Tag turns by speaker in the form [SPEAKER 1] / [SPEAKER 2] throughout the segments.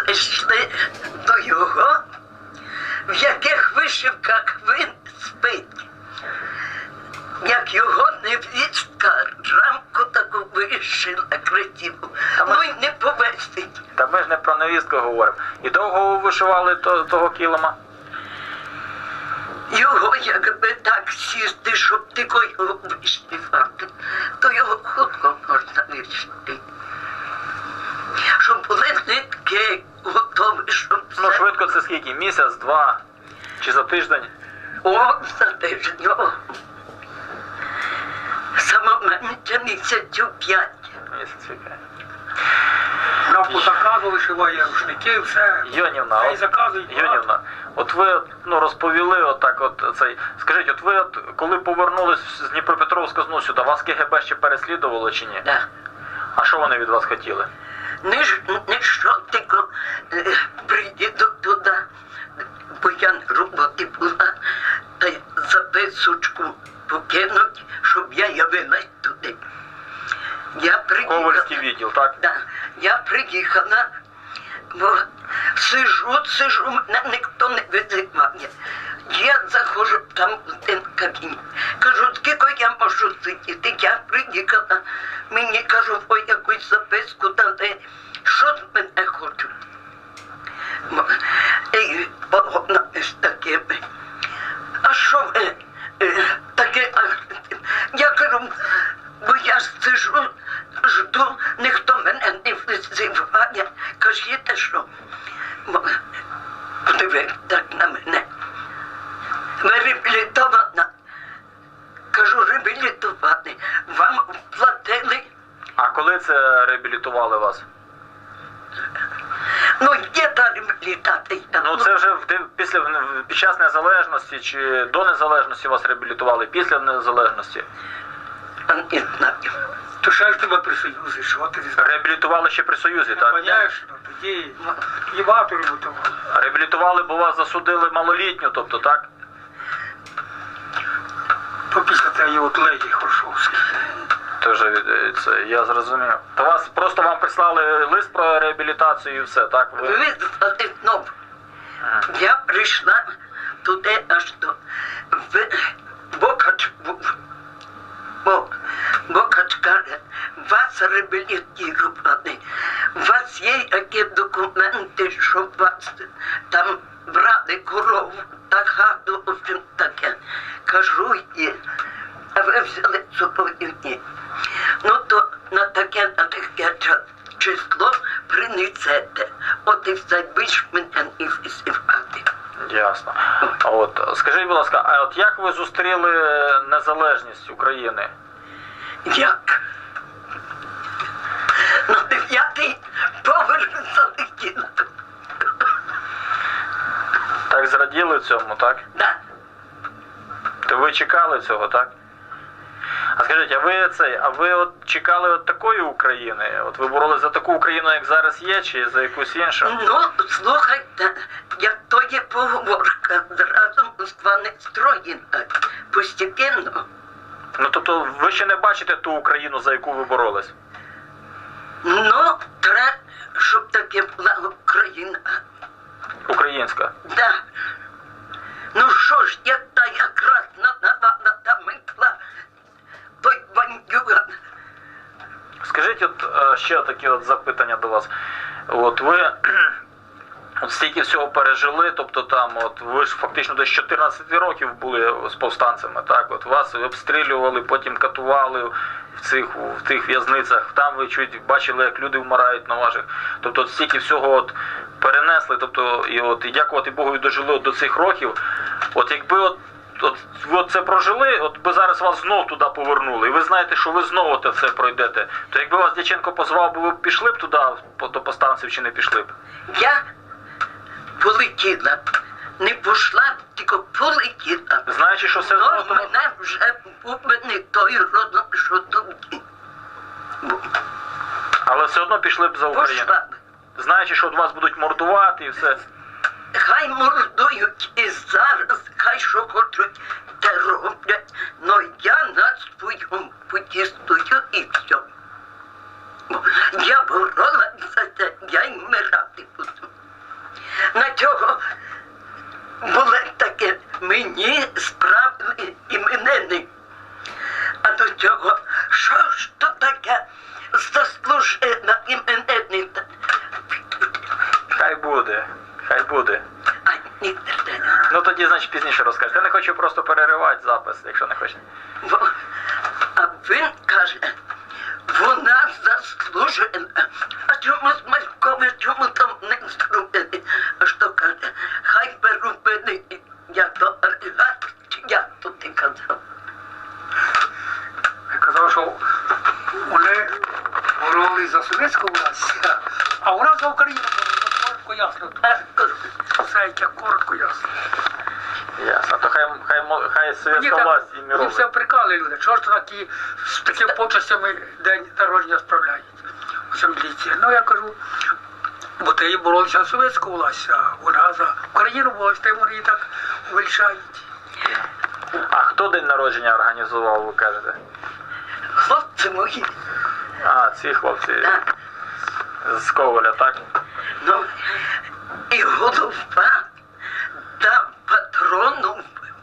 [SPEAKER 1] прийшли до його, в яких вишивках він спить. Як його невістка рамку таку вишила красиву, ну й не повесить.
[SPEAKER 2] Та ми ж не про невістку говоримо. І довго ви вишивали того килима?
[SPEAKER 1] Його, якби так сісти, щоб тільки його вишивати, то його хутко можна вишити. Щоб були нитки готові, щоб
[SPEAKER 2] Ну,
[SPEAKER 1] все.
[SPEAKER 2] швидко це скільки? Місяць, два? Чи за тиждень?
[SPEAKER 1] О, за тиждень, о. Саме менше місяцю 5.
[SPEAKER 2] Місяць і 5.
[SPEAKER 3] Нам по заказу вишиває рушники, все.
[SPEAKER 2] Йонівна,
[SPEAKER 3] Та й заказують багато.
[SPEAKER 2] Йонівна, от ви розповіли отак цей. Скажіть, от ви коли повернулись з Дніпропетровська знову сюди, вас КГБ ще переслідувало чи ні?
[SPEAKER 1] Да.
[SPEAKER 2] А що вони від вас хотіли?
[SPEAKER 1] Не що тільки приїду туди, бо я на роботі була, та й записочку покинуть, щоб я явилась туди. Я приїхала.
[SPEAKER 2] Ковальський відділ, так?
[SPEAKER 1] Да. Я приїхала, бо сижу, мене ніхто не визиває. Я заходжу там в один кабінет. Кажу, скільки я можу сидіти? Я приїхала, мені кажуть, ой, якусь записку дали. Що з мене хочуть? І погона з такими. А що ви таке? Я кажу, бо я сижу, жду, ніхто мене не визиває. Кажіть, що? Подивись так на мене. Ви реабілітована. Кажу, реабілітовані. Вам платили.
[SPEAKER 2] А коли це реабілітували вас?
[SPEAKER 1] Ну, є та реабілітація.
[SPEAKER 2] Ну це вже під час незалежності чи до незалежності вас реабілітували, після незалежності?
[SPEAKER 1] Не знаю.
[SPEAKER 3] То ще ж тебе при Союзі, що ти знаєш?
[SPEAKER 2] Реабілітували ще при Союзі, так?
[SPEAKER 3] Конечно, тоді і багато ремонтували.
[SPEAKER 2] Реабілітували, бо вас засудили малолітню, тобто, так?
[SPEAKER 3] То після тієї от леді Хоршовської.
[SPEAKER 2] Тоже це, я зрозумів. То вас просто вам прислали лист про реабілітацію і все, так? Ви...
[SPEAKER 1] Визвали знову. Я прийшла туди аж до Бокач був. Бокач каже, вас реабілітували. У вас є які документи, що вас там брали корову та хату, в общем таке. Кажу, є. А ви взяли з собою ні. Ну то на таке число принесете. От і все, більш мене не висівати.
[SPEAKER 2] Ясно. А от, скажіть, будь ласка, а от як ви зустріли незалежність України?
[SPEAKER 1] Як? На 9-й поверх залетіла.
[SPEAKER 2] Так зраділи цьому, так?
[SPEAKER 1] Да.
[SPEAKER 2] То ви чекали цього, так? А скажіть, а ви от чекали от такої України? От ви боролись за таку Україну, як зараз є, чи за якусь іншу?
[SPEAKER 1] Ну, слухайте, як то є поговорка, зразу Москва не строєна, постепенно.
[SPEAKER 2] Ну, тобто, ви ще не бачите ту Україну, за яку ви боролись?
[SPEAKER 1] Ну, треба, щоб таке була Україна.
[SPEAKER 2] Українська.
[SPEAKER 1] Да. Ну що ж, я та якраз навана та митла, той бандюган.
[SPEAKER 2] Скажіть, от ще таке от запитання до вас. От ви от стільки всього пережили, тобто там, от ви ж фактично до 14 років були з повстанцями, так? От вас обстрілювали, потім катували в тих в'язницях, там ви чуть бачили, як люди вмирають на ваших. Тобто от стільки всього от перенесли, тобто і дякувати Богу, дожили до цих років. От якби ви це прожили, от би зараз вас знов туди повернули, і ви знаєте, що ви знову це все пройдете, то якби вас Дяченко позвав, ви б пішли б туди, до повстанців, чи не пішли б?
[SPEAKER 1] Я полетіла, не пішла, тільки полетіла.
[SPEAKER 2] Знаючи, що все одно...
[SPEAKER 1] Ну, мене вже був не той родом, що тоді.
[SPEAKER 2] Але все одно пішли б за Україну.
[SPEAKER 1] Пішла б.
[SPEAKER 2] Знаючи, що от вас будуть мордувати і все.
[SPEAKER 1] Хай мордують і зараз, хай що хочуть, те роблять, но я на своєму путі стою і все. Я боролася за це, я й вмирати буду. цього були таке мені справді іменинник. А до цього, що ж то таке заслужена іменинниця?
[SPEAKER 2] Хай буде, хай буде.
[SPEAKER 1] А ні,
[SPEAKER 2] Ну тоді, значить, пізніше розкажете. Я не хочу просто переривати запис, якщо не хочете.
[SPEAKER 1] а він каже, вона заслужена. А чому з Маркови, чому там не зробили? А що каже, хай би робили, як то олігарх, чи як то ти казав?
[SPEAKER 3] Я казав, що вони боролись за совєтську власть, а у нас за Україну боролись. Коротко ясно. Все як коротко ясно.
[SPEAKER 2] Ясно. То хай совєтська
[SPEAKER 3] так-
[SPEAKER 2] власть і
[SPEAKER 3] мені
[SPEAKER 2] мірові.
[SPEAKER 3] все прикали люди. Чого ж то такі з такими почастями день народження справляють? Оце міліція. Ну я кажу, бо ти боролися за совєтську власть, а вона за Україну боролась, та вони її так вирішають.
[SPEAKER 2] А хто день народження організував, ви кажете?
[SPEAKER 1] Хлопці мої,
[SPEAKER 2] А, ці хлопці
[SPEAKER 1] так,
[SPEAKER 2] з Коваля, так?
[SPEAKER 1] ну, і голова дав патрону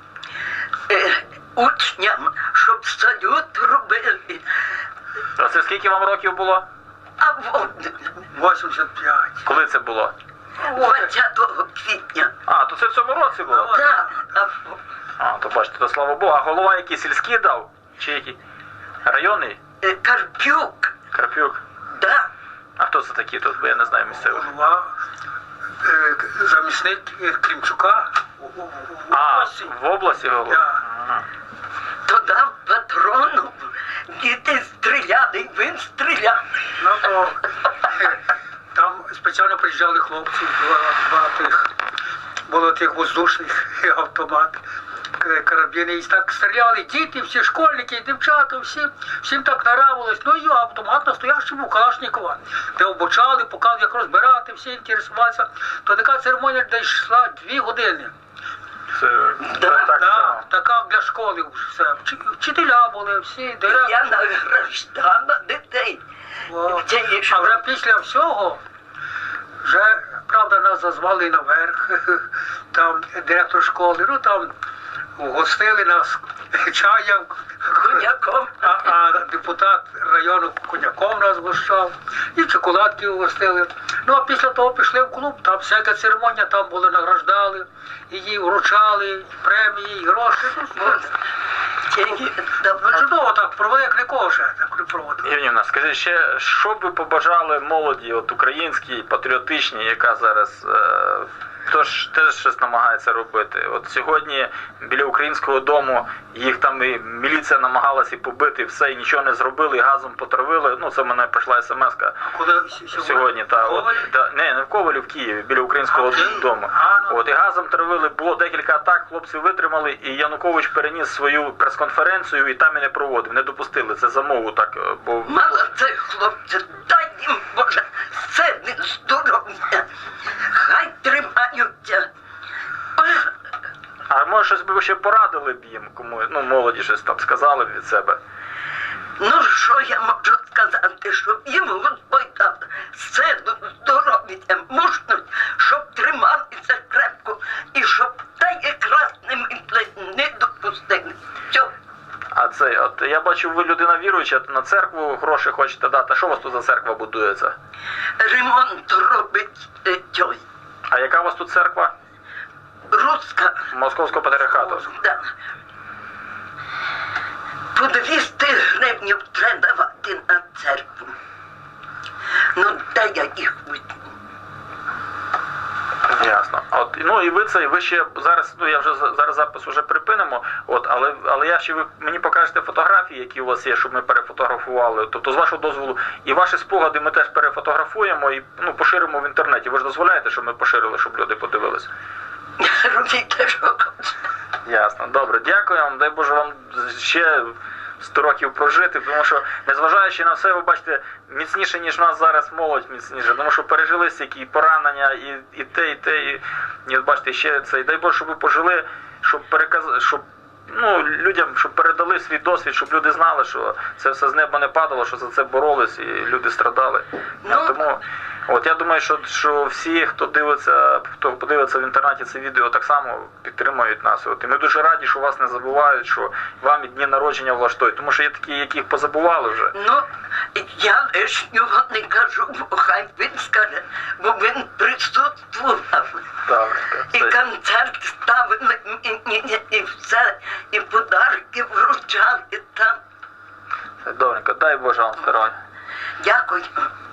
[SPEAKER 1] учням, щоб салют робили.
[SPEAKER 2] А це скільки вам років було?
[SPEAKER 1] А от
[SPEAKER 3] 85.
[SPEAKER 2] Коли це було?
[SPEAKER 1] 20 квітня.
[SPEAKER 2] А, то це в цьому році було?
[SPEAKER 1] Так,
[SPEAKER 2] А, то бачите, то слава Богу. А голова який сільський дав? Чи який? Районний?
[SPEAKER 1] Карпюк,
[SPEAKER 2] Карпюк?
[SPEAKER 1] да.
[SPEAKER 2] А хто це такі тут? Бо я не знаю місцевих.
[SPEAKER 3] Голова, замісник Клімчука у
[SPEAKER 2] А,
[SPEAKER 3] області.
[SPEAKER 2] в області голова?
[SPEAKER 3] Да.
[SPEAKER 2] Ага.
[SPEAKER 1] То дав патрону, діти стріляли, він стріляв.
[SPEAKER 3] Ну то там спеціально приїжджали хлопці, два тих, було тих воздушних автомат, карабіни, і так стріляли, діти, всі школьники, дівчата, всім так нравилось. Ну і автомат настоящий був Калашникова, де обучали, показували, як розбирати, всі інтересувалися. То така церемонія дійшла 2 години.
[SPEAKER 2] Це
[SPEAKER 1] Да,
[SPEAKER 2] так
[SPEAKER 3] Да,
[SPEAKER 2] само.
[SPEAKER 3] така для школи все. Вчителя були, всі, директори.
[SPEAKER 1] Я награждала дітей.
[SPEAKER 3] О,
[SPEAKER 1] Це
[SPEAKER 3] А
[SPEAKER 1] нічого.
[SPEAKER 3] вже після всього, вже, правда, нас зазвали наверх, там директор школи, ну там гостили нас чаєм,
[SPEAKER 1] Коньяком.
[SPEAKER 3] а депутат району коньяком нас гощав, і шоколадки угостили. Ну а після того пішли в клуб, там всяка церемонія, там були награждали, її вручали, і премії, і гроші. Ну, чудово так провели, як нікого ще так не проводили.
[SPEAKER 2] Євгенівна, скажіть ще, що б ви побажали молоді, от українській, патріотичній, яка зараз теж щось намагається робити? От сьогодні біля українського дому їх там і міліція намагалася і побити, все, і нічого не зробили, і газом потравили. Ну, це в мене прийшла смс-ка
[SPEAKER 3] Коли
[SPEAKER 2] сьогодні. Та, от,
[SPEAKER 3] Коваль?
[SPEAKER 2] не в Ковалі, в Києві, біля українського дому. От, і газом травили, було декілька атак, хлопці витримали, і Янукович переніс свою прес-конференцію і там і не проводив, не допустили. Це за мову так, бо...
[SPEAKER 1] Молодці, хлопці, дай їм, Боже, сили, здоров'я. Хай тримаються. Ой,
[SPEAKER 2] А може щось би ви ще порадили б їм, кому, ну, молоді щось там сказали б від себе?
[SPEAKER 1] ну, що я можу сказати, щоб їм Господь дав силу, здоров'я, мужність, щоб трималися крепко і щоб та якраз не допустили. Все.
[SPEAKER 2] А це, от я бачу, ви людина віруюча, на церкву гроші хочете дати. А що у вас тут за церква будується?
[SPEAKER 1] Ремонт робить той.
[SPEAKER 2] А яка у вас тут церква?
[SPEAKER 1] Руська.
[SPEAKER 2] Московського патріархату.
[SPEAKER 1] Да. По 200 гривень треба давати на церкву. Ну, де я їх візьму?
[SPEAKER 2] Ясно. От, ну і ви це, і ви ще зараз, ну я вже зараз запис вже припинимо, от, але я ще ви мені покажете фотографії, які у вас є, щоб ми перефотографували. Тобто, з вашого дозволу, і ваші спогади ми теж перефотографуємо і ну, поширимо в інтернеті. Ви ж дозволяєте, щоб ми поширили, щоб люди подивилися?
[SPEAKER 1] Робіть, що хочете.
[SPEAKER 2] Ясно. Добре, дякую вам. Дай Боже вам ще 100 років прожити, тому що, незважаючи на все, ви бачите, міцніше, ніж нас зараз молодь міцніше, тому що пережили стільки поранення, і те, і от бачите, ще це. І дай Боже, щоб ви пожили, щоб переказати, щоб ну, людям, щоб передали свій досвід, щоб люди знали, що це все з неба не падало, що за це боролись, і люди страдали.
[SPEAKER 1] Ну,
[SPEAKER 2] Тому От я думаю, що всі, хто подивиться в інтернеті це відео, так само підтримують нас. От. І ми дуже раді, що вас не забувають, що вам і дні народження влаштують. Тому що є такі, яких позабували вже.
[SPEAKER 1] Ну, я лишнього не кажу, бо хай він скаже, бо він присутствував.
[SPEAKER 2] Добренько.
[SPEAKER 1] І концерт ставили, і все, і подарки вручали там.
[SPEAKER 2] Добренько, дай Боже вам здоров'я.
[SPEAKER 1] Дякую.